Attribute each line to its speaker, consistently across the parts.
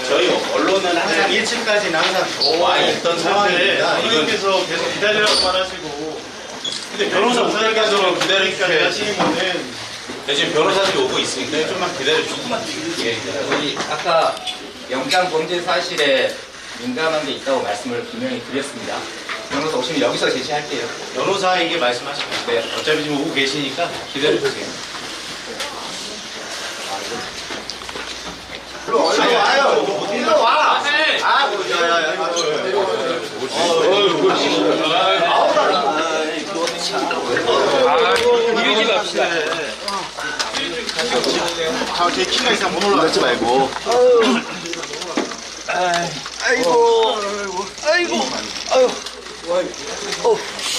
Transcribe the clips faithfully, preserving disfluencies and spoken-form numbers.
Speaker 1: 저희 언론은 항상 일 층까지는 항상 와 있던 상황입니다.
Speaker 2: 이분께서 계속 기다리라고만 하시고 근데 변호사
Speaker 1: 변호사께서
Speaker 2: 기다리기까지 하시는 거는
Speaker 1: 네, 지금 변호사들이 오고 있으니까 좀만 기다려주시면 예.
Speaker 3: 우리 아까 영장 범죄 사실에 민감한 게 있다고 말씀을 분명히 드렸습니다. 변호사 오시면 여기서 제시할게요.
Speaker 1: 변호사에게 말씀하시면
Speaker 3: 네.
Speaker 1: 어차피 지금 오고 계시니까 기다려주세요.
Speaker 4: 일로 와요. 일로 와. 아, 뭐, 야, 야, 야, 이거.
Speaker 3: 이러지 맙시다.
Speaker 4: 자, 제 키가 이상 못 올라가지 말고.
Speaker 5: 아이고, 아이고, 아이고, 아이고.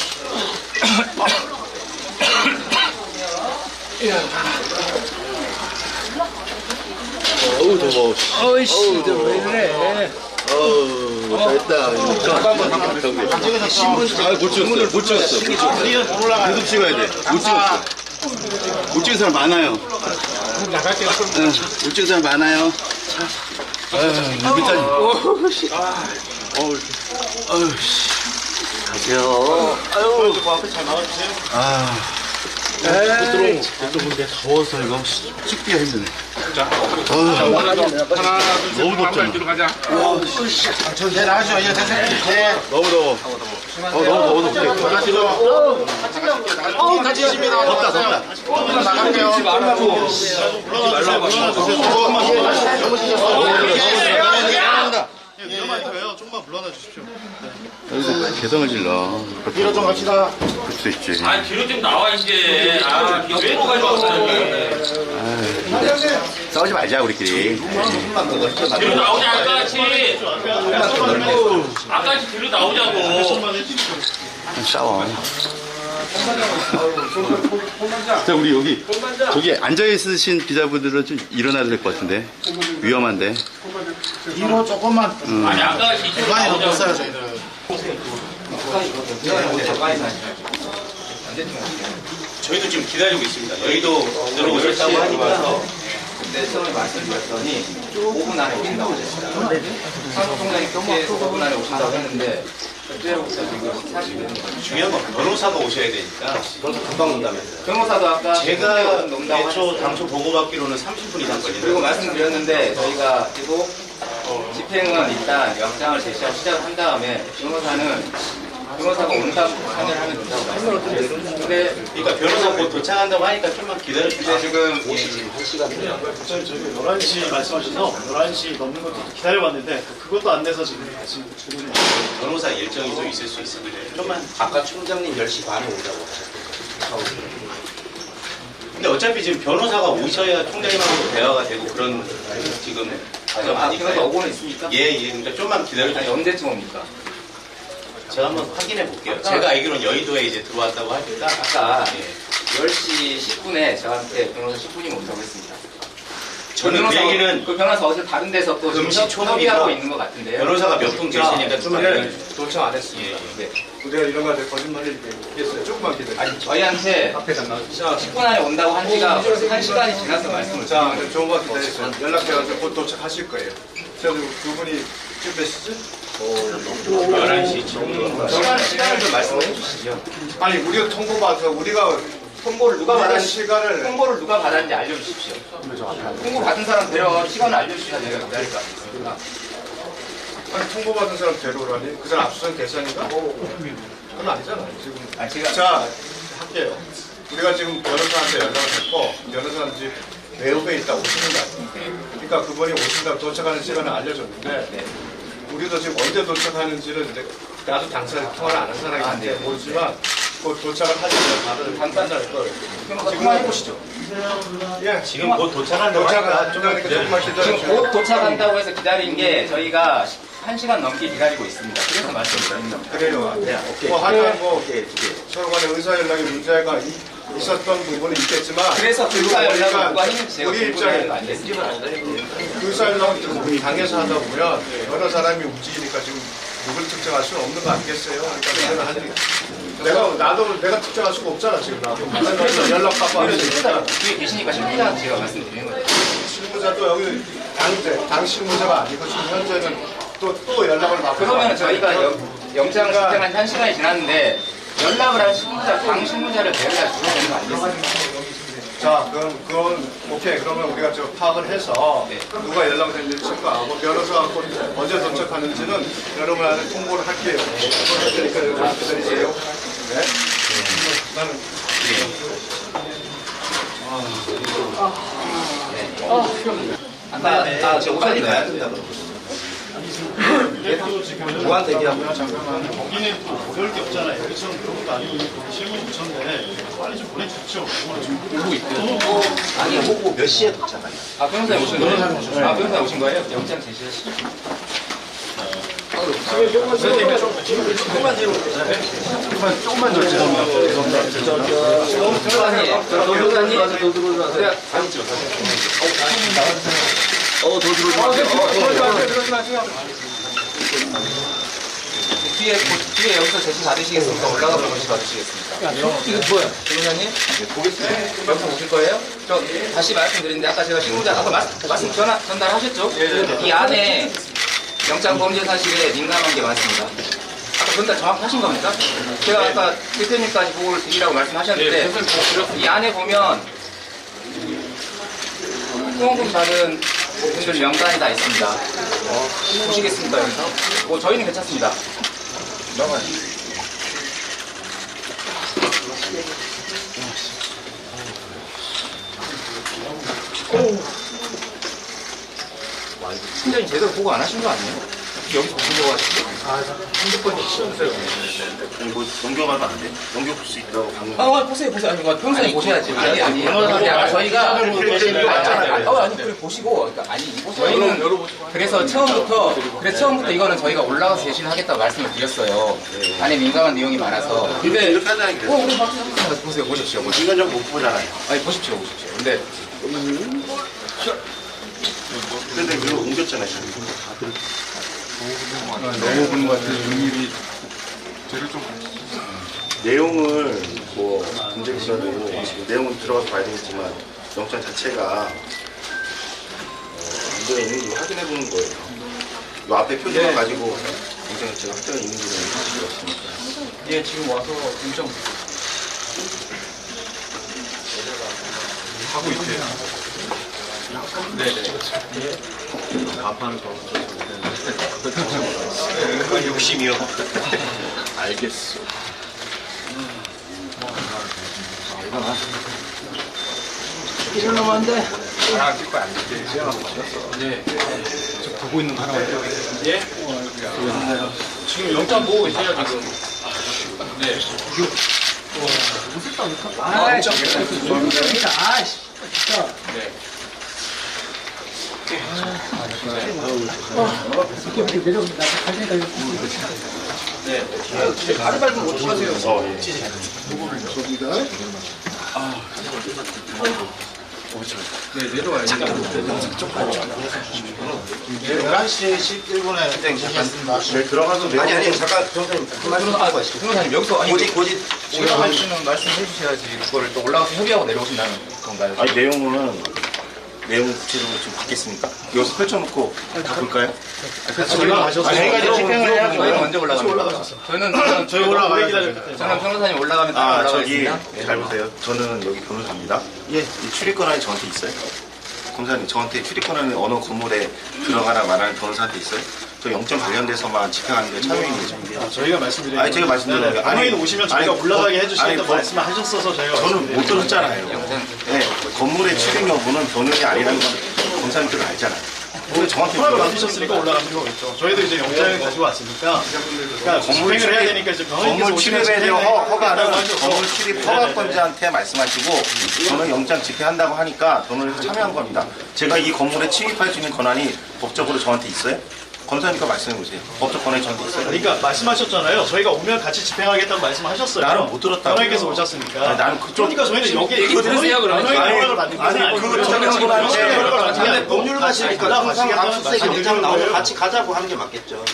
Speaker 4: 어우, 더워.
Speaker 5: 어이씨, 왜 그래?
Speaker 4: 어우, 잘했다. 잠깐만, 잠깐만. 신분, 아, 못 찍었어요. 못 찍었어. 못 찍었어. 계속 찍어야 돼. 못 찍었어. 못 찍은 사람 많아요. 응, 못 찍은 사람 많아요. 여기까지. 어우, 어우, 가세요.
Speaker 2: 아유 그 앞에 잘 나와주세요.
Speaker 4: 아, 에이, 또 근데 더워서 이거 찍기가 힘드네.
Speaker 2: 하나 둘셋
Speaker 4: 너무 덥잖아.
Speaker 2: 뒤로 가자.
Speaker 4: 천천히 하시죠. 이제 천천히. 너무 더워. 어, 너무 더워. 더워.
Speaker 2: 가시고 같이 계십니다.
Speaker 4: 덥다, 덥다.
Speaker 2: 나갈게요.
Speaker 3: 말라고.
Speaker 2: 위험하니까요. 조금만 불러놔 주십시오.
Speaker 4: 여기서 개성을 질러.
Speaker 2: 뒤로 좀 갑시다.
Speaker 4: 그럴 수도 있지.
Speaker 6: 아 뒤로 좀 나와 이제. 아 옆으로 가지고
Speaker 4: 싸우지 말자, 우리끼리.
Speaker 6: 뒤로 나오자 아까같이. 아까같이 뒤로 나오자고.
Speaker 4: 싸워. 자, 우리 여기, 저기 앉아있으신 기자분들은 좀 일어나야 될 것 같은데. 위험한데.
Speaker 2: 뒤로 조금만.
Speaker 6: 아니 아까같이 뒤로
Speaker 2: 많이
Speaker 6: 나오자고.
Speaker 2: 넘었어요 저희들.
Speaker 1: 저희도 지금 기다리고 있습니다. 여의도 들어오셨다고 하니까
Speaker 3: 그때 처음에 말씀드렸더니 오 분 안에 오신다고 하셨어요. 사무총장이 그때 오 분 안에 오신다고 했는데 그때로부터 지금 사십 분.
Speaker 1: 중요한 건 변호사가 오셔야 되니까 금방 온다면서요.
Speaker 3: 변호사도 아까
Speaker 1: 제가
Speaker 3: 논다고
Speaker 1: 애초
Speaker 3: 하셨어요.
Speaker 1: 당초 보고받기로는 삼십 분 이상 걸린다.
Speaker 3: 그리고 말씀드렸는데 저희가 계속 집행은 일단 영장을 제시하고 시작을 한 다음에 변호사는 변호사가 온다고 판단을 하면 된다고 말씀드렸어요. 근데
Speaker 1: 그러니까 변호사 곧 도착한다고 하니까 좀만 기다려주세요.
Speaker 3: 지금
Speaker 2: 저희 저희 열한 시 말씀하셔서 열한 시 넘는 것도 기다려봤는데 그것도 안 돼서 지금 다시 주문을
Speaker 1: 변호사 일정이 좀 있을 수 있으니까 좀만.
Speaker 5: 아까 총장님 열 시 반에 온다고 하셨거든요.
Speaker 1: 근데 어차피 지금 변호사가 오셔야 총장님하고 대화가 되고 그런 지금 과정
Speaker 3: 아, 변호사
Speaker 1: 아닐까요?
Speaker 3: 오고는 있습니까?
Speaker 1: 예, 예. 그러니까 좀만
Speaker 3: 아니
Speaker 1: 기다려주세요.
Speaker 3: 언제쯤 옵니까?
Speaker 1: 제가 한번 확인해 볼게요. 제가 알기로는 여의도에 이제 들어왔다고 하니까.
Speaker 3: 아까
Speaker 1: 예.
Speaker 3: 열 시 십 분에 저한테 변호사 십 분이면 온다고 했습니다.
Speaker 1: 저는 그 얘기는
Speaker 3: 그 변호사 어제 다른 데서 또 지금
Speaker 1: 금시
Speaker 3: 협-
Speaker 1: 초문이고
Speaker 3: 협의하고 있는 것 같은데요.
Speaker 1: 변호사가 몇 분 계시니까 좀만 기다려주세요.
Speaker 2: 도착 안 했습니다.
Speaker 1: 예, 예.
Speaker 2: 우리가 이런 거한테 거짓말을 얘기했어요. 조금만 기다려.
Speaker 3: 아니 저희한테
Speaker 2: 앞에 안 나와주세요.
Speaker 3: 저 십 분 안에 온다고 한 지가 한 시간이 지나서 말씀을
Speaker 2: 자,
Speaker 3: 드리는
Speaker 2: 좋은 거 기다리세요. 연락해가지고 곧 도착하실 거예요. 그래서 두 분이 지금 몇 시지?
Speaker 1: 열한 시 지금.
Speaker 3: 시간, 시간을 좀 말씀해 주시죠.
Speaker 2: 아니, 우리가 통보받아서 우리가
Speaker 3: 홍보를 누가
Speaker 2: 우리가
Speaker 3: 받았는지
Speaker 2: 시간을
Speaker 3: 홍보를 누가 받았는지 알려주십시오. 홍보 받은 사람 데려가 시간을 알려주셔야 저희가 기다릴 거 아니겠습니까?
Speaker 2: 아니, 통보받은 사람 데려오라니? 그 사람 압수수색 대상인가? 그건 아니잖아요. 지금.
Speaker 3: 아 제가
Speaker 2: 자, 할게요. 우리가 지금 변호사한테 연락을 했고, 변호사는 지금 외국에 있다 오시는 거 아닙니까? 그러니까 그분이 오신다고 도착하는 시간을 알려줬는데,
Speaker 3: 네.
Speaker 2: 우리도 지금 언제 도착하는지는 이제 나도 당사자 통화를 안 한 사람이기
Speaker 3: 아, 네.
Speaker 2: 때문에 모르지만, 곧 도착을 하시면 다들 판단할 걸.
Speaker 3: 변호사 통화해 보시죠.
Speaker 2: 예,
Speaker 1: 지금 곧 도착한다고
Speaker 2: 도착을
Speaker 1: 하니까
Speaker 2: 하
Speaker 1: 좀만
Speaker 2: 조금만
Speaker 1: 기다려주세요.
Speaker 3: 지금
Speaker 2: 기다려주세요.
Speaker 3: 곧 도착한다고 해서 기다린 게 저희가 한 시간 넘게 기다리고 있습니다. 그래서 말씀드린 겁니다.
Speaker 2: 그래요.
Speaker 3: 네, 오케이.
Speaker 2: 뭐 하여간 뭐 서로 간에 의사 연락에 문제가 이- 있었던 부분은 있겠지만
Speaker 3: 그래서 그 의사 연락을 누가 했는지 제가
Speaker 2: 우리
Speaker 3: 궁금해하는
Speaker 2: 입장에
Speaker 3: 거 아니겠습니까?
Speaker 2: 의사 연락을 당해서 하다 보면 여러 사람이 움직이니까 지금 누굴 특정할 수는 없는 거 아니겠어요? 그러니까 그거는 하는 내가 나도 내가 특정할 수가 없잖아 지금 나도 그래서 연락 받고 하는
Speaker 3: 뒤에 계시니까 신분자한테 제가 말씀드리는 거예요.
Speaker 2: 실무자도 여기 당, 당 실무자가 아니고 지금 현재는 또, 또 연락을 받고.
Speaker 3: 그러면 저희가 영, 영장 집행한 한 시간이 지났는데 연락을 한 실무자, 당 실무자를 배우자 주셔야 되는 거 아니겠습니까?
Speaker 2: 자, 그럼, 그건, 오케이. 그러면 우리가 저 파악을 해서
Speaker 3: 네.
Speaker 2: 누가 연락됐는지 체크하고 변호사가 곧 언제 도착하는지는 여러분한테 통보를 할게요. 통보를 할 테니까 여러분 기다리세요. 네? 나는.
Speaker 3: 아까, 아, 저
Speaker 5: 빨리
Speaker 3: 우선이
Speaker 5: 가야 된다 무한 대기하고
Speaker 7: 거기는 또 어려울 게 없잖아요. 여기처럼 그런 것도 아니고 실무에 붙였는데 빨리 좀 보내주십시오.
Speaker 3: 보고 있고요.
Speaker 5: 아니 호구 몇 시에 도착하냐
Speaker 3: 아, 변호사님 오신 거예요? 아, 변호사님 오신 거예요? 영장 제시하시죠.
Speaker 2: 조금만 뒤로. 조금만 더 죄송합니다.
Speaker 3: 변호사님, 변호사님,
Speaker 4: 어, 더 들어오세요.
Speaker 3: 뒤에, 뒤에 여기서 제시 받으시겠습니까? 올라가 보고 제시 받으시겠습니까? 이거 뭐야? 변호사님? 보겠습니다. 여기서 오실 거예요? 저 다시 말씀드리는데 아까 제가 실무자 아까 말씀, 말씀 전화, 전달하셨죠? 이 안에 영장 범죄 사실에 민감한 게 많습니다. 아까 전달 정확히 하신 겁니까? 제가 아까 대표님까지 보고를 드리라고 말씀하셨는데 이 안에 보면 후원금 받은 분들 명단이 다 있습니다. 어, 보시겠습니까 여기서? 뭐 저희는 괜찮습니다. 팀장님 제대로 보고 안 하신 거 아니에요? 여기서 보신 거 같은데?
Speaker 4: 아니, 뭐, 넘겨가면 안 돼? 넘겨볼 수 있다고 방금.
Speaker 3: 아, 보세요, 보세요. 아니, 평소에 보셔야지. 아니, 아니. 아니, 아까 저희가. 아니, 아니, 어, 아니, 그래, 보시고. 그러니까, 아니, 저희는. 그래서 처음부터, 그래서 처음부터 이거는 저희가 올라가서 제시를 하겠다고 말씀을 드렸어요. 안에 민감한 내용이 많아서. 근데.
Speaker 4: 이렇게 하자는 게.
Speaker 3: 어, 우리 박수 한번 보세요, 보십시오. 보십시오.
Speaker 4: 이건 좀 못 보잖아요.
Speaker 3: 아니, 보십시오, 보십시오. 근데.
Speaker 4: 근데 이거 옮겼잖아요.
Speaker 3: 너무 보는 것 같아요. 윤일이.
Speaker 4: 내용을 뭐 문제보다도 내용은 들어가서 봐야 되겠지만 영장 자체가 어, 문제가 있는지 확인해 보는 거예요. 이 앞에 표지만
Speaker 3: 네.
Speaker 4: 가지고 영장 자체가 확정이 있는지는 사실이 없으니까.
Speaker 3: 예, 지금 와서 인정.
Speaker 7: 하고 있대요.
Speaker 3: 네네.
Speaker 1: 그 욕심이요.
Speaker 4: 알겠어.
Speaker 3: 이런 놈 안 돼.
Speaker 7: 네. 저 보고 있는 거 하나만 해요. 예? 지금 영장 보고 계세요, 지금. 네.
Speaker 3: 아, 진짜. 아, 진짜. 네.
Speaker 2: 네. 가리발 좀 어떡하세요?
Speaker 4: 어, 예.
Speaker 3: 네, 내려와요.
Speaker 5: 열한 시 십일 분에 시작했습니다
Speaker 4: 네, 들어가서 내용.
Speaker 5: 아니 아니 잠깐 변호사님 한 말씀 하고 가시죠
Speaker 3: 변호사님 여기서 아니
Speaker 5: 고지 고지
Speaker 3: 지금 할 수는 말씀해 주셔야지 그거를 또 올라가서 협의하고 내려오신다는 건가요?
Speaker 4: 아니 내용은 내용 구체적으로 좀 받겠습니까? 여기서 펼쳐놓고 다 볼까요?
Speaker 7: 올라가셨어요.
Speaker 4: 아니, 저희가 이제 집행을 해야
Speaker 3: 저희는 언제 올라갑니까? 저희는 저는
Speaker 7: 저희 올라가야 돼요.
Speaker 3: 저는 변호사님 올라가면 따라
Speaker 4: 아 저기
Speaker 3: 올라가겠습니다.
Speaker 4: 잘 보세요. 저는 여기 변호사입니다. 예. 이 출입 권한이 저한테 있어요? 검사님 저한테 출입 권한이 어느 건물에 들어가라 말하는 변호사한테 있어요? 저 영장 관련돼서만 집행하는 게 참여인 거죠.
Speaker 7: 아, 저희가 말씀드린
Speaker 4: 아니, 제가 말씀드린 거예요. 아니,
Speaker 7: 아니, 오시면 저희가
Speaker 4: 아니,
Speaker 7: 올라가게
Speaker 4: 거-
Speaker 7: 해주시겠다고
Speaker 4: 아니, 거-
Speaker 7: 말씀을 하셨어서 저희가
Speaker 4: 저는 못 들었잖아요.
Speaker 3: 영장
Speaker 4: 네, 건물의 출입 여부는 변호인이 아니라는 건 검사님들은 알잖아요. 근데 저한테
Speaker 7: 허락을
Speaker 4: 물어봐요.
Speaker 7: 받으셨으니까 올라가는 거겠죠. 저희도 이제 영장을 가지고 왔으니까 그러니까
Speaker 4: 건물
Speaker 7: 집행을 해야
Speaker 4: 출입-
Speaker 7: 되니까 이제 병원에서
Speaker 4: 건물
Speaker 7: 오시면
Speaker 4: 출입에 대한
Speaker 7: 집행을
Speaker 4: 허- 허가는
Speaker 7: 해달라고 하셔서
Speaker 4: 건물 출입 허가권자한테 말씀하시고 저는 영장 집행한다고 하니까 변호인에서 참여한 겁니다. 제가 이 건물에 침입할 수 있는 권한이 법적으로 저한테 있어요? 검사니까 말씀해 보세요. 법적 권한이 저한테 있어요?
Speaker 7: 그러니까 말씀하셨잖아요. 저희가 오면 같이 집행하겠다고 말씀하셨어요.
Speaker 4: 나는 못 들었다고요.
Speaker 7: 변호인께서 오셨으니까.
Speaker 4: 아니, 나는 그쪽-
Speaker 7: 그러니까 저희는 여기
Speaker 3: 얘기 들으세요, 그러면.
Speaker 7: 변호인
Speaker 4: 아니,
Speaker 7: 허락을 받는
Speaker 4: 아니,
Speaker 7: 거지.
Speaker 4: 그 전문가한테
Speaker 7: 법률
Speaker 5: 법률 가시니까 항상 압수수색 영장 나오고 같이 가자고 하는 게 맞겠죠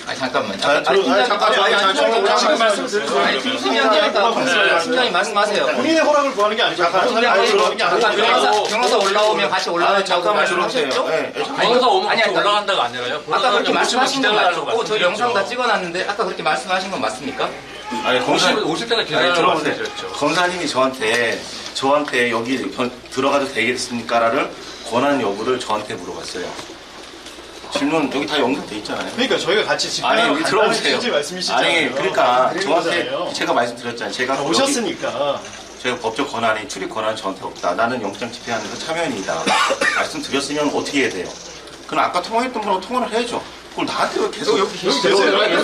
Speaker 3: 아니 잠깐만.
Speaker 4: 자,
Speaker 3: 아니,
Speaker 4: 들어- 아니, 잠깐, 아니, 아니, 잠깐,
Speaker 3: 지금 말씀 들으세요. 아니 팀장님이니까 팀장님 말씀하세요.
Speaker 2: 본인의 허락을 구하는 게 아니죠. 다른 사람이 구하는 게
Speaker 3: 아까
Speaker 2: 아니죠.
Speaker 3: 변호사, 변호사 올라오면 같이 올라가자고
Speaker 4: 잠깐만
Speaker 3: 말씀하셨죠?
Speaker 4: 들어보세요. 네,
Speaker 6: 아니, 변호사 오면
Speaker 3: 아니,
Speaker 6: 같이
Speaker 3: 아니,
Speaker 6: 올라간다가 아니라요.
Speaker 3: 아까 그렇게 말씀하신 건
Speaker 6: 기다려달라고
Speaker 3: 맞고 저 영상 다
Speaker 6: 말씀드렸죠.
Speaker 3: 찍어놨는데 아까 그렇게 말씀하신 건 맞습니까?
Speaker 4: 아니, 검사,
Speaker 6: 오실, 오실 때가
Speaker 4: 아니,
Speaker 6: 기다려달라고
Speaker 4: 들어보세요.
Speaker 6: 말씀드렸죠.
Speaker 4: 검사님이 저한테, 저한테 여기 변- 들어가도 되겠습니까라를 권한 여부를 저한테 물어봤어요. 질문 여기 다 영상돼 있잖아요.
Speaker 2: 그러니까 저희가 같이 집회하러
Speaker 4: 아니,
Speaker 2: 간다는
Speaker 4: 들어보세요.
Speaker 2: 취지 말씀이시잖아요.
Speaker 4: 아니, 그러니까
Speaker 2: 그런
Speaker 4: 저한테
Speaker 2: 거잖아요.
Speaker 4: 제가 말씀드렸잖아요. 제가 여기-
Speaker 2: 오셨으니까.
Speaker 4: 제가 법적 권한이 출입 권한이 저한테 없다. 나는 영장 집행하면서 참여인이다. 말씀드렸으면 어떻게 해야 돼요? 그럼 아까 통화했던 분하고 통화를 해야죠. 그걸 나한테 왜 계속 여기
Speaker 2: 계세요.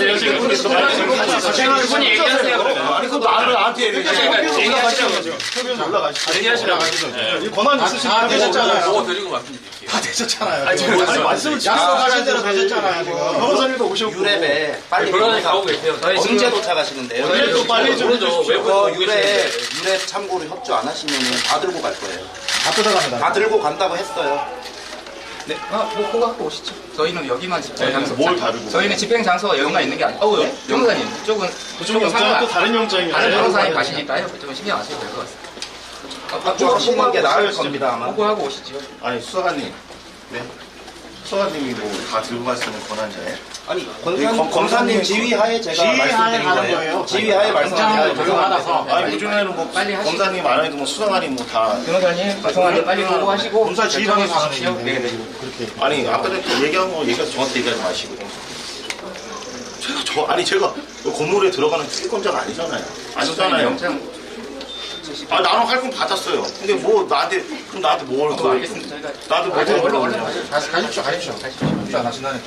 Speaker 3: 그분이 얘기하세요.
Speaker 4: 아니 그 말을 나한테 얘기해.
Speaker 2: 얘기하시라고. 협의원 올라가시죠.
Speaker 6: 얘기하시라고.
Speaker 2: 이 권한이 있으시니까 되셨잖아요.
Speaker 6: 보고 드리고 말씀드릴게요.
Speaker 2: 다 되셨잖아요. 아니, 말씀을 약속하신 대로 되셨잖아요. 지금. 변호사님도 오셨고.
Speaker 3: 유랩에 빨리
Speaker 6: 변호사님 가고 계세요.
Speaker 3: 저희
Speaker 8: 언제
Speaker 3: 지금
Speaker 8: 도착하시는데요?
Speaker 2: 언제 또 빨리 좀
Speaker 6: 모르죠.
Speaker 2: 해주십시오.
Speaker 6: 외국에서
Speaker 8: 그거 유래 유래 참고로 협조 안 하시면 다 들고 갈 거예요.
Speaker 2: 다 뜯어갑니다.
Speaker 8: 다 들고 간다고 했어요.
Speaker 3: 네, 아, 뭐 그거 갖고 오시죠. 저희는 여기만 집행 장소.
Speaker 4: 뭘 다르고?
Speaker 3: 저희는 집행 장소가 여기만 있는 게 아니고. 어우, 변호사님, 그쪽은
Speaker 2: 그쪽 영장은 또 다른 영장이에요.
Speaker 3: 다른 변호사님 가시니까요. 그쪽은 신경 안 쓰셔도 될 것 같습니다.
Speaker 8: 협조하시는 게 나을 겁니다 아마.
Speaker 3: 보고하고 오시죠.
Speaker 4: 아니 수사관님. 네. 수사관님이 뭐 다 들고 갈 수 있는 권한자예요?
Speaker 8: 아니
Speaker 4: 검-
Speaker 8: 검사님, 검사님 지휘하에 제가
Speaker 2: 지휘하에
Speaker 8: 말씀드린
Speaker 2: 하는
Speaker 8: 거예요.
Speaker 2: 거예요.
Speaker 8: 지휘하에 말씀드린 거예요.
Speaker 4: 아니 요즘에는 뭐
Speaker 3: 빨리 하시죠.
Speaker 4: 검사님 안 해도 뭐 수사관이 뭐 다
Speaker 3: 변호사님, 죄송한데 빨리 보고하시고.
Speaker 2: 검사 지휘관에
Speaker 3: 결정해
Speaker 2: 가는
Speaker 3: 주십시오.
Speaker 2: 얘기인데.
Speaker 3: 네, 네.
Speaker 4: 아니 아까 전에 얘기한 거 얘기해서 저한테 얘기하지 마시고 제가 저 아니 제가 그 건물에 들어가는 특권자가 아니잖아요. 아니잖아요.
Speaker 3: 영장.
Speaker 4: 아 나는 할건 받았어요. 근데 뭐 나한테 그럼 나한테 뭘
Speaker 3: 어,
Speaker 4: 그
Speaker 3: 알겠습니다. 저희가.
Speaker 4: 나도 뭐
Speaker 3: 얼른, 얼른,
Speaker 4: 뭘
Speaker 3: 얼른.
Speaker 2: 가시, 가십시오, 가십시오. 협조 안 하신다니까.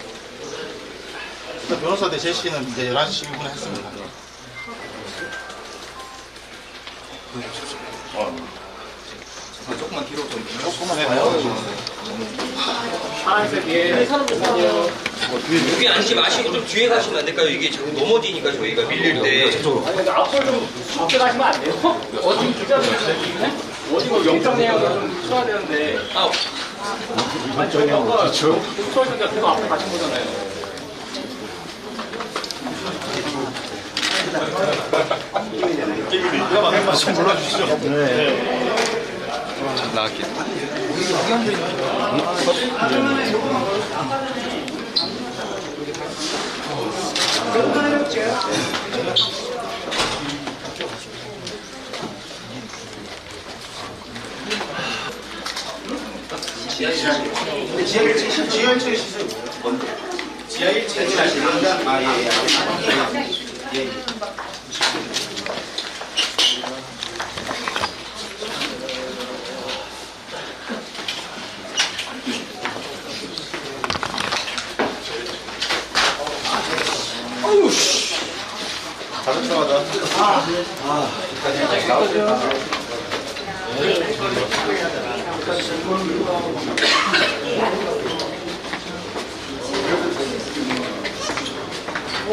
Speaker 2: 일단 변호사들 제시는 이제 열한 시 십 분에 했습니다.
Speaker 4: 어.
Speaker 3: 조금만 뒤로 좀.
Speaker 2: 조금만 해봐요.
Speaker 5: 여기 앉지 마시고 좀 뒤에 가시면 안 될까요? 이게 자꾸 넘어지니까 저희가 밀릴 때. 아,
Speaker 2: 좀 불러주시죠. 네.
Speaker 8: 지하 일 층 지하 일 층에 시세요. 지하 일 층에 시세요. 아 예. 예. 예.
Speaker 2: 가득하다.